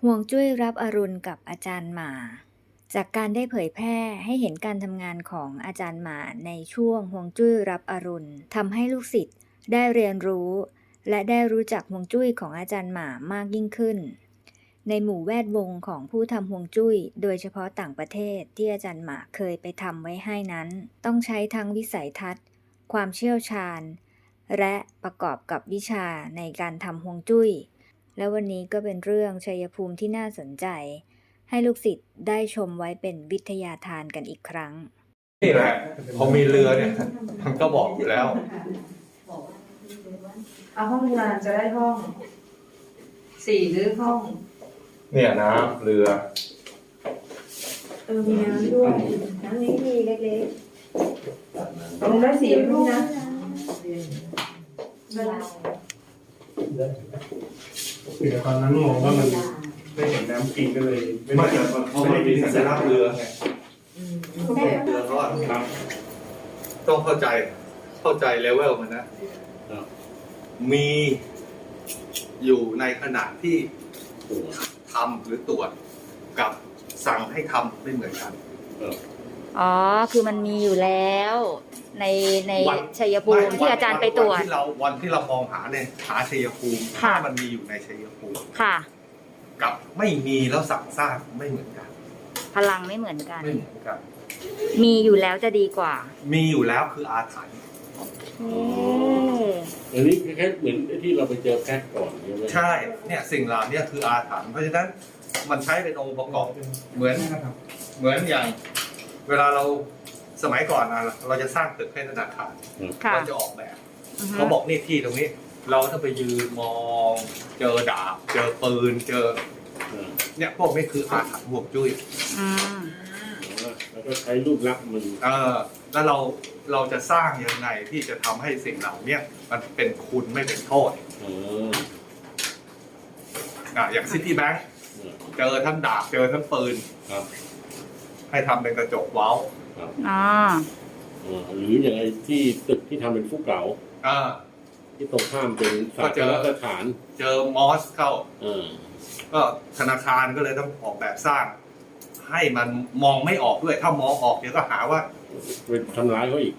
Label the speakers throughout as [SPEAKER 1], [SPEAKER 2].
[SPEAKER 1] ฮวงจุ้ยรับอรุณกับอาจารย์หมาจากการได้เผยแพร่ให้เห็นการทำงานของอาจารย์หมาในช่วงฮวงจุ้ยรับอรุณทำให้ลูกศิษย์ได้เรียนรู้และได้รู้จักฮวงจุ้ยของอาจารย์หมามากยิ่งขึ้นในหมู่แวดวงของผู้ทำฮวงจุ้ยโดยเฉพาะต่างประเทศที่อาจารย์หมาเคยไปทำไว้ให้นั้นต้องใช้ทั้งวิสัยทัศน์ความเชี่ยวชาญและประกอบกับวิชาในการทำฮวงจุ้ยและวันนี้ก็เป็นเรื่องชัยภูมิที่น่าสนใจให้ลูกศิษย์ได้ชมไว้เป็นวิทยาทานกันอีกครั้ง
[SPEAKER 2] นี่แหละพอมีเรือเนี่ยมันก็บอกอยู่แล้ว
[SPEAKER 3] เอาห้องงานจะได้ห้อง4หรือห้อง
[SPEAKER 2] เนี่ยน้ำเรือ
[SPEAKER 3] มีน้ำด้วยน้ำนี้มีเล็กๆตรงได้4รูปนะ
[SPEAKER 4] แต่ตอนนั้นมองว่ามันไม่เห็นน้ำกินก็เลย
[SPEAKER 2] ไม่เกิดเพราะมันมีสัญลักษณ์เรือไงเรือเขาครับต้องเข้าใจเลเวลมันนะมีอยู่ในขณะที่ทำหรือตรวจกับสั่งให้ทำไม่เหมือนกัน
[SPEAKER 1] อ๋อคือมันมีอยู่แล้วในชัยภูมิที่อาจารย์ไปตรวจ
[SPEAKER 2] วันที่เรามองหาเนี่ยหาชัยภูมิถ้ามันมีอยู่ในชัยภูมิ
[SPEAKER 1] ค่ะ
[SPEAKER 2] กับไม่มีแล้วสั่งสร้างไม่เหมือนกัน
[SPEAKER 1] พลังไม่เหมือนกัน
[SPEAKER 2] ไม่เหมือนกัน
[SPEAKER 1] มีอยู่แล้วจะดีกว่า
[SPEAKER 2] มีอยู่แล้วคืออาถรรพ์
[SPEAKER 4] อันนี้แค่เหมือนที่เราไปเจอแพ็กก่อน
[SPEAKER 2] ใช่เนี่ยสิ่งเหล่านี้คืออาถรรพ์เพราะฉะนั้นมันใช้เป็นองค์ประกอบเหมือนอย่างเวลาเราสมัยก่อนเราจะสร้างตึกให้ธนาคารเราจะออกแบบเขาบอกนี่ที่ตรงนี้เราต้องไปยืนมองเจอดาบเจอปืนเจอเนี่ยพวกนี้คืออาถรรพ์ฮวงจุ้ย
[SPEAKER 4] แล้วก็ใช้รูปลักษณ์มัน
[SPEAKER 2] แล้วเราจะสร้างยังไงที่จะทำให้สิ่งเหล่านี้มันเป็นคุณไม่เป็นโทษอย่างซิตี้แบงค์เจอทั้งดาบเจอทั้งปืนให้ทำเป็นกระจกเว้า
[SPEAKER 4] หรืออย่างไรที่ตึกที่ทำเป็นฟุกเก๋าที่ตรงข้ามเป็นศาสนสถาน
[SPEAKER 2] เจอมอสเข้าก็ธนาคารก็เลยต้องออกแบบสร้างให้มันมองไม่ออกด้วยถ้ามองออกเดี๋ยวก็หาว่า
[SPEAKER 4] ไปทำร้ายเขาอีก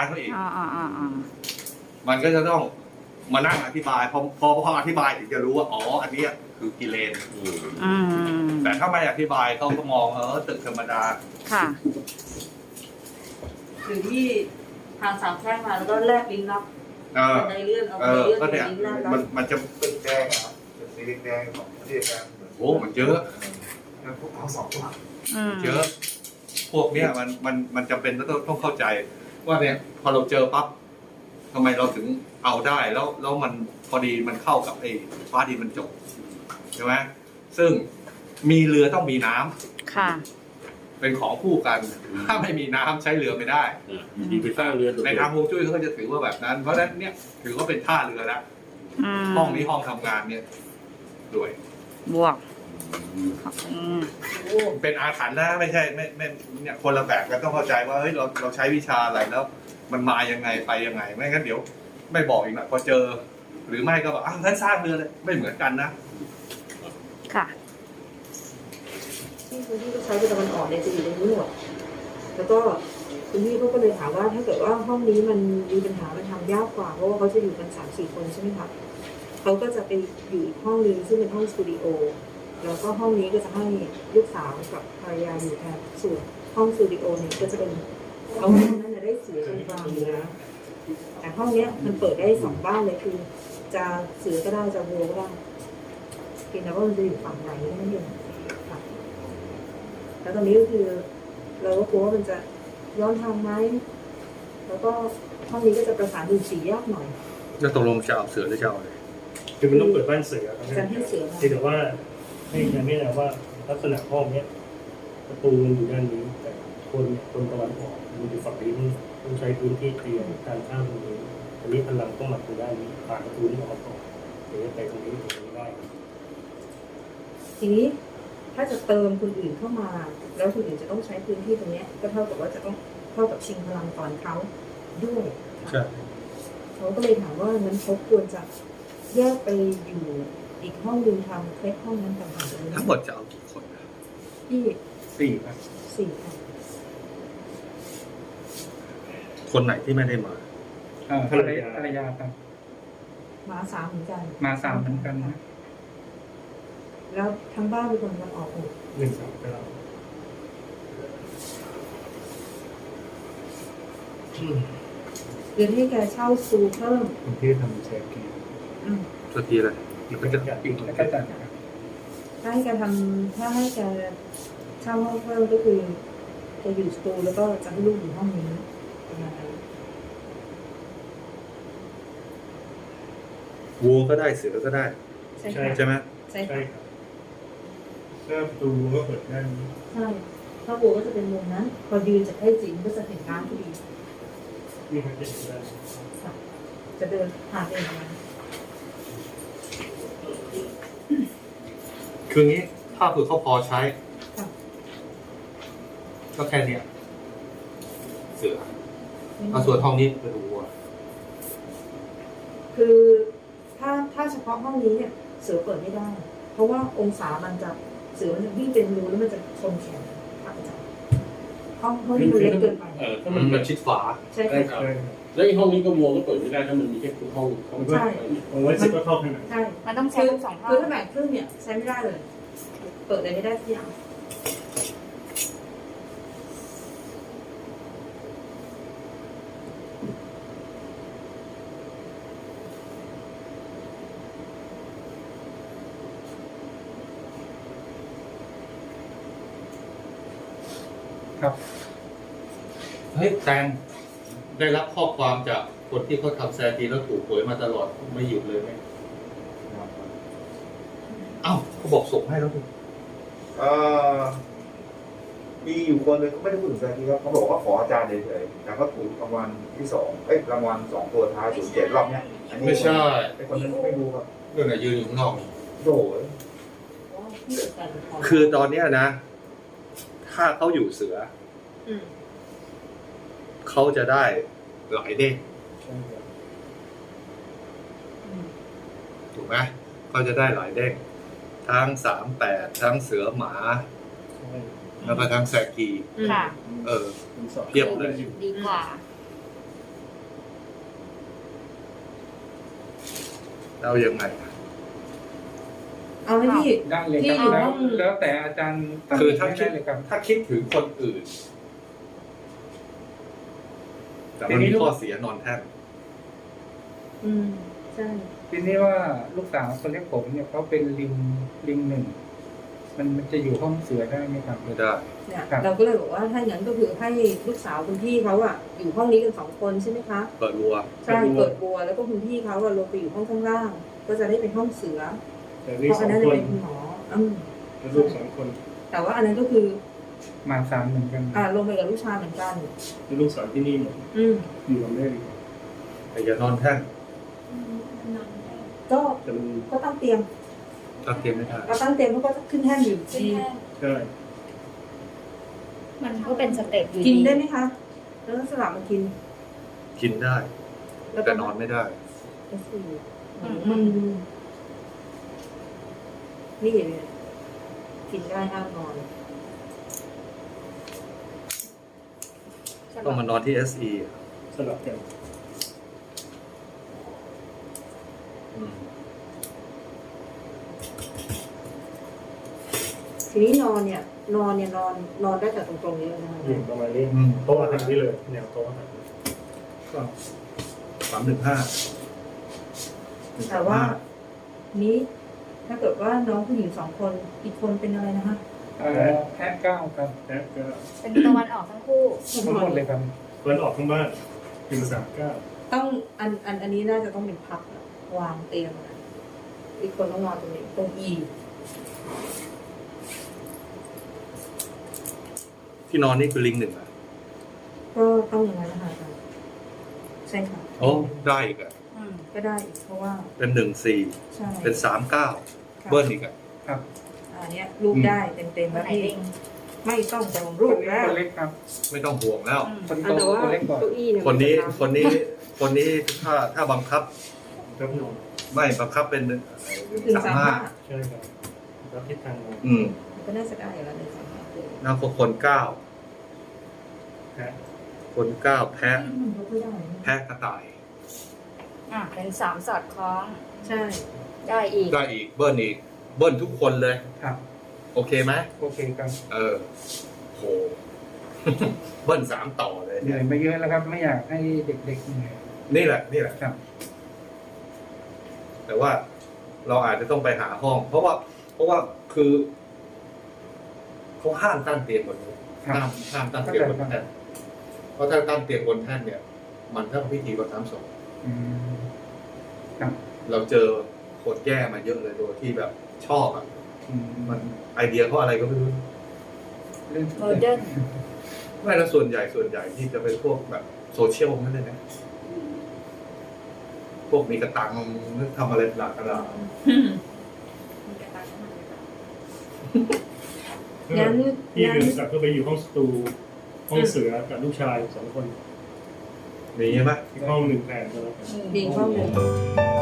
[SPEAKER 2] มันก็จะต้องมานั่งอธิบายพออธิบายถึงจะรู้ว่าอ๋ออันนี้คือกิเลนแต่ถ้าไม่อธิบายเขาก็มองตึกธรรมดา
[SPEAKER 1] ค่ะ
[SPEAKER 3] คือที่ทางสามแพร่งมาแล้วก็แลบลิ้นลับในเรื่อง
[SPEAKER 2] ก็เนี่ยมันจะเป็นแดงครับเป็นสีแดงของประเทศกันโอ้มันเยอะพวกเขา2 ตัวเยอะพวกเนี้ยมันจำเป็นต้องเข้าใจว่าเนี่ยพอเราเจอปั๊บทำไมเราถึงเอาได้แล้วมันพอดีมันเข้ากับไอ้ฟ้าดินมันจบใช่ไหมซึ่งมีเรือต้องมีน้ำ
[SPEAKER 1] ค่ะ
[SPEAKER 2] เป็นของคู่กันถ้าไม่มีน้ำใช้เรือไม่ได้
[SPEAKER 4] ไปสร้างเรือ
[SPEAKER 2] ในทางฮวงจุ้ยเขาก็จะถือว่าแบบนั้นเพราะฉะนั้นเนี่ยถือว่าเป็นท่าเรือแล้วห้องนี้ห้องทำงานเนี่ยด้วย
[SPEAKER 1] บวก
[SPEAKER 2] เป็นอาถรรพ์นะไม่ใช่ไม่เนี่ยคนละแบบกันต้องเข้าใจว่าเฮ้ยเราใช้วิชาอะไรแล้วมันมายังไงไปยังไงไม่งั้นเดี๋ยวไม่บอกอีกนะพอเจอหรือไม่ก็แบบงั้นสร้างเรือเลยไม่เหมือนกันนะ
[SPEAKER 1] ค่ะ
[SPEAKER 3] ที่คุณพี่ก็ใช้เป็นตะวันออกเนี่ยจะอยู่ในนี้หมดแล้วก็คุณพี่เขาก็เลยถามว่าถ้าเกิดว่าห้องนี้มันมีปัญหามันทำยากกว่าเพราะว่าเขาจะอยู่กัน3-4 คนใช่ไหมคะเขาก็จะไปอยู่อีกห้องนึงซึ่งเป็นห้องสตูดิโอแล้วก็ห้องนี้ก็จะให้ลูกสาวกับภรรยาอยู่แทนส่วนห้องสตูดิโอเนี่ยก็จะเป็นเอาห้องนั้นจะได้เสือตรงกลางอยู่แล้วแต่ห้องเนี้ยมันเปิดได้2 บ้านเลยคือจะเสือก็ได้จะวัวก็ได้เพียงแต่ว่ามันจะอยู่ฝั่งไหนนั่นเองค่ะแล้วตอนนี้ก็คือเราก็กลัวว่ามันจะย้อนทางไหมแล้วก็ห้องนี้ก็จะประสานดูสียากหน่อย
[SPEAKER 2] จะตกลงจะเอาเสือหรือจะเอาอะไร
[SPEAKER 4] คือมันต้องเปิดบ้านเสือ
[SPEAKER 3] จะให้เสือ
[SPEAKER 4] แต่ว่าให้ยังไม่แน่ว่าลักษณะห้องเนี้ยประตูมันอยู่ด้านนี้แต่คนตะวันออกมันอยู่ฝั่งนี้ต้องใช้พื้นที่เตรียมการข้ามตรงนี้อันนี้พลังต้องมาตรงด้านนี้ผ่านประตูนี้ออกก่อนเดี๋ยวไปตรงนี้ได้
[SPEAKER 3] ทีนี้ถ้าจะเติมคนอื่นเข้ามาแล้วคนอื่นจะต้องใช้พื้นที่ตรงนี้ก็เท่ากับว่าจะต้องเท่ากับชิงพลังก่อนเขาด้วยเขาก็เลยถามว่างั้นเขาควรจะแยกไปอยู่อีกห้องหนึงทำเคล็ดห้องนั้นต่างหากเลย
[SPEAKER 2] ทั้งหมดจะเอากี่คน
[SPEAKER 3] ที่
[SPEAKER 2] 4 ครับ
[SPEAKER 3] สี่ค่ะ
[SPEAKER 2] คนไหนที่ไม่ได้มา
[SPEAKER 5] ภรรยาครับ
[SPEAKER 3] มาสามเหมือนกัน
[SPEAKER 5] มา3เหมือนกันนะ
[SPEAKER 3] แล้วทั้งบ้านเป็นคนรับออกหมด
[SPEAKER 4] 139
[SPEAKER 3] เดี๋ยวให้แกเช่าซูเพิ่ม
[SPEAKER 4] คนที่ทำแชร์กี
[SPEAKER 2] ตัวทีเลยมันก็จะ
[SPEAKER 5] อีกแล้วก็จัดครับ
[SPEAKER 3] ถ้าให้แกทำถ้าให้แกเช่าห้องเพิ่มก็คือจะอยู่สตูแล้วก็จะให้ลูกอยู่ห้องนี้ประมาณนั้น
[SPEAKER 2] วัวก็ได้เสือก็ได้
[SPEAKER 3] ใช่ค่ะ
[SPEAKER 2] ใช่ไหม
[SPEAKER 3] ใช่
[SPEAKER 4] ใช่
[SPEAKER 3] ค่ะ
[SPEAKER 4] ครับถ้าประตูก็เปิดได้
[SPEAKER 3] ใช่ถ้าบัวก็จะเป็นมุมนั้น พอยืนจากให้จริงก็จะเห็นน้ำพอดี
[SPEAKER 4] นี่มันจะเห็นได้
[SPEAKER 3] ค่ะจะเดินผ่านไปอย่างนั้น
[SPEAKER 2] คืองี้ถ้าคือเขาพอใช้
[SPEAKER 3] ค่ะ
[SPEAKER 2] ก็แค่เนี้ยเสือเอาส่วนห้องนี้เป็นวัว
[SPEAKER 3] คือถ้าเฉพาะห้องนี้เนี่ยเสือเปิดไม่ได้ เพราะว่าองศามันจะเสือมันจะวิ่งเป็นรูแล้วมันจะชนแขนค่ะอาจารย์ห้องนี้มันเล็กเกินไป
[SPEAKER 6] ถ้า
[SPEAKER 2] มั
[SPEAKER 6] มันน
[SPEAKER 2] เป็นชิดฝา
[SPEAKER 3] ใช่
[SPEAKER 6] ได้
[SPEAKER 3] ค่ะ
[SPEAKER 6] ครับแล้วไอ้ห้องนี้ก็วัวก็เปิดไม่ได้ถ้ามันมีแค่ห้อง
[SPEAKER 3] ใช่
[SPEAKER 4] ผมว่าสิบก็เข้าข้างใน
[SPEAKER 3] ใช่
[SPEAKER 1] มันต้องใช้
[SPEAKER 3] คือ
[SPEAKER 1] ทั้งสองห้อง
[SPEAKER 3] คือถ้าแบ่งครึ่งเนี่ยใช้ไม่ได้เลย เปิดอะไรไม่ได้ทุกอย่าง
[SPEAKER 5] ครับ
[SPEAKER 2] เฮ้ยแตงได้รับข้อความจากคนที่เขาทำแซกีแล้วถูกหวยมาตลอดไม่หยุดเลยไหมเอ้าเขาบอกส่งให้แล้วดิ
[SPEAKER 7] มีอยู่คนเลยเขาไม่ได้พูดถึงแซงกี้ครับเขาบอกว่าขออาจารย์เฉยๆแต่เขาถูกรางวัลที่2รางวัล2ตัวท้าย07รอบเนี้ยอันนี้
[SPEAKER 2] ไม่ใช่
[SPEAKER 7] ไอ้คนนั้นไม่รู้ครับ
[SPEAKER 2] เรื่องไหนยืนอยู่ข้างนอก
[SPEAKER 7] โดย
[SPEAKER 2] คือตอนเนี้ยนะ ถ้าเขาอยู่เสือ
[SPEAKER 3] อืม
[SPEAKER 2] เขาจะได้หลายเด้ง
[SPEAKER 3] อืม
[SPEAKER 2] ถูกไหมเขาจะได้หลายเด้งทั้ง38ทั้งเสือหมา แล้วก็ทั้งแซกี
[SPEAKER 1] ค่ะ
[SPEAKER 2] เทียบเลย
[SPEAKER 1] ดีกว่า
[SPEAKER 2] เรายังไง
[SPEAKER 3] เอาไหมพี่
[SPEAKER 5] ได้เลย
[SPEAKER 3] ที่
[SPEAKER 5] ค
[SPEAKER 3] อยู่
[SPEAKER 5] รับ
[SPEAKER 3] ห้อง
[SPEAKER 5] แล้วแต่อาจารย์ตัด
[SPEAKER 2] คือ
[SPEAKER 5] สิน
[SPEAKER 2] ถ้า
[SPEAKER 5] ให้
[SPEAKER 2] คิ
[SPEAKER 5] ได้
[SPEAKER 2] ด
[SPEAKER 5] เลยครับ
[SPEAKER 2] ถ้าคิดถึงคนอื่น แต่มันมีข้อเสียนอนแท่น
[SPEAKER 3] อืมใช่
[SPEAKER 5] ทีนี้ว่าลูกสาวคนเล็กผมเนี่ยเขาเป็นลิงหนึ่งมันจะอยู่ห้องเสือได้ไหมครับ
[SPEAKER 2] ไม่ได้
[SPEAKER 3] เนี่ย
[SPEAKER 5] ครับ
[SPEAKER 3] เราก็เลยบอกว่าถ้าอย่างนั้นก็คือให้ลูกสาวคุณพี่เขาอะอยู่ห้องนี้กัน2 คนใช่ไหมคะ
[SPEAKER 2] เปิดรัว
[SPEAKER 3] ใช่เปิดบัวแล้วก็คุณพี่เขาอะลงไปอยู่ห้องข้างล่าง ก็จะได้เป็นห้องเสือ
[SPEAKER 4] แต่
[SPEAKER 3] เพ
[SPEAKER 4] นี่
[SPEAKER 3] ราะ
[SPEAKER 4] ส
[SPEAKER 3] อั
[SPEAKER 4] อน ง
[SPEAKER 3] นั้น
[SPEAKER 4] ค
[SPEAKER 3] จะ
[SPEAKER 4] น
[SPEAKER 3] เป็นคุณหมอ
[SPEAKER 4] แล้วลูก2 คน
[SPEAKER 3] แต่ว่าอันนั้นก็คือ
[SPEAKER 5] มา3เหมือนกัน
[SPEAKER 3] ลงไปกับลูกชายเหมือนกัน
[SPEAKER 4] แล้วลูกสาวที่นี่หมด
[SPEAKER 3] อืม
[SPEAKER 4] อยู่กับแม่ดีกว่า
[SPEAKER 2] แต่อย่านอนแท่น
[SPEAKER 3] ก็
[SPEAKER 4] แต่มัน
[SPEAKER 3] ก็ตั้งเตียง
[SPEAKER 2] ตั้งเตรียมไม่ได้
[SPEAKER 3] ก็ตั้งเตียงเขาก็ขึ้นแท่นอยู่ดี
[SPEAKER 4] ใช่
[SPEAKER 1] มันก็เป็นสเต็ปอยู่
[SPEAKER 3] กิน
[SPEAKER 1] ดี
[SPEAKER 3] ได้ไหมคะแล้วสลับมากิน
[SPEAKER 2] กินได้
[SPEAKER 3] แล้วก็
[SPEAKER 2] แต่นอนไม่ได้
[SPEAKER 3] มันนี่เลยกินได้ห้ามนอน
[SPEAKER 2] ต้องมานอนที่ SE
[SPEAKER 4] สลับกัน
[SPEAKER 2] อืม
[SPEAKER 3] ทีนี้นอนได้แต่ตรงๆนี้เลยนะคะ
[SPEAKER 4] ประมาณนี้โต๊ะอาหารนี่เลยแนวโต๊ะอาหาร
[SPEAKER 2] ก็315
[SPEAKER 3] แต่ว่านี้ถ้าเกิดว่าน้องผู้หญิง2 คนอีกคนเป็นอะไรนะคะ
[SPEAKER 5] แพะเก้าครับ
[SPEAKER 4] แล้วก็
[SPEAKER 1] เป็นตะวันออกทั้งคู่
[SPEAKER 5] ทั้งหมดเลยครับ
[SPEAKER 4] เปิดออกข้างบ้านเป็น39
[SPEAKER 3] ต้องอันนี้น่าจะต้องเป็นพับอะวางเตียงอะอีกคนต้องนอนตรงนี้ตรงอี
[SPEAKER 2] ที่นอนนี่คือลิง1อ่ะ
[SPEAKER 3] ก็ต้องอย่างนั้นนะคะอาจารย์ใช่ค่ะ
[SPEAKER 2] โอ้ได้อีกอ่ะ
[SPEAKER 3] ก็ได้อีกเพราะว่า
[SPEAKER 2] เป็น14
[SPEAKER 3] ใช่
[SPEAKER 2] เป็น39
[SPEAKER 3] ค่ะ
[SPEAKER 2] เบิ้ลอีกอ่ะ
[SPEAKER 5] ครับ
[SPEAKER 3] อันเนี้ยรูปได้เต็มๆแล้วพี่ไม่ต้องจองรูปแล้ว
[SPEAKER 5] คนเล็กครับ
[SPEAKER 2] ไม่ต้องห่วงแล้ว
[SPEAKER 5] คนโต
[SPEAKER 3] แต่ว่า
[SPEAKER 5] คนเล็กก่อน
[SPEAKER 3] เก้าอี้เนี่ย
[SPEAKER 2] คนนี้
[SPEAKER 3] มัจะ
[SPEAKER 2] คนนี้ถ้าบังคับ
[SPEAKER 4] ครับนอน
[SPEAKER 2] ไม่บังคับเป็น135
[SPEAKER 4] ใช่ครับรับทิศทางมา
[SPEAKER 3] ก็น่าจะได้อยู่แล้ว135
[SPEAKER 2] แล้วก็คน9
[SPEAKER 4] แพ้
[SPEAKER 2] คน9แพะ
[SPEAKER 3] มันยกไม่ได้
[SPEAKER 2] แพะกระต่าย
[SPEAKER 1] เป็น3สอดคล้อง
[SPEAKER 3] ใช่
[SPEAKER 1] ได้อีก
[SPEAKER 2] ได้อีกเบิ้ลอีกเบิ้ลทุกคนเลย
[SPEAKER 5] ครับ
[SPEAKER 2] โอเคไหม
[SPEAKER 5] โอเคครับ
[SPEAKER 2] โห เบิ้ล3ต่อเลย
[SPEAKER 5] เหนื่อยมาเยอะแล้วครับ ไม่อยากให้เด็กๆเหนื่อย
[SPEAKER 2] นี่แหละ
[SPEAKER 5] ครับ
[SPEAKER 2] แต่ว่าเราอาจจะต้องไปหาห้อง เพราะว่าคือเขาห้ามตั้งเตียงบนนี้
[SPEAKER 5] ครับ
[SPEAKER 2] ห้ามตั้งเตียงบนแท่นเพราะถ้าตั้งเตียงบนแท่นเนี่ย มันต้องพิธีรดน้ำศพ
[SPEAKER 5] อืมครับ
[SPEAKER 2] เราเจอคนแย่มาเยอะเลยโดยที่แบบชอบอ่ะ
[SPEAKER 5] อืม
[SPEAKER 2] มันไอเดียเขาอะไรก็ไม่รู้
[SPEAKER 5] เรื่อง
[SPEAKER 1] โมเดิร์น
[SPEAKER 2] ไม่แล้วส่วนใหญ่ที่จะเป็นพวกแบบโซเชียลนั่นเลยนะพวกมีกระตังทำอะไรหลากหลาย
[SPEAKER 3] งั้น
[SPEAKER 4] พี่เดินกลับก็ไปอยู่ห้องสตูห้องเสือกับลูกชาย2 คน
[SPEAKER 2] มีใช่ไหม
[SPEAKER 4] อีกห้อง1แผนก็แล้วกัน
[SPEAKER 3] มีข้อมูล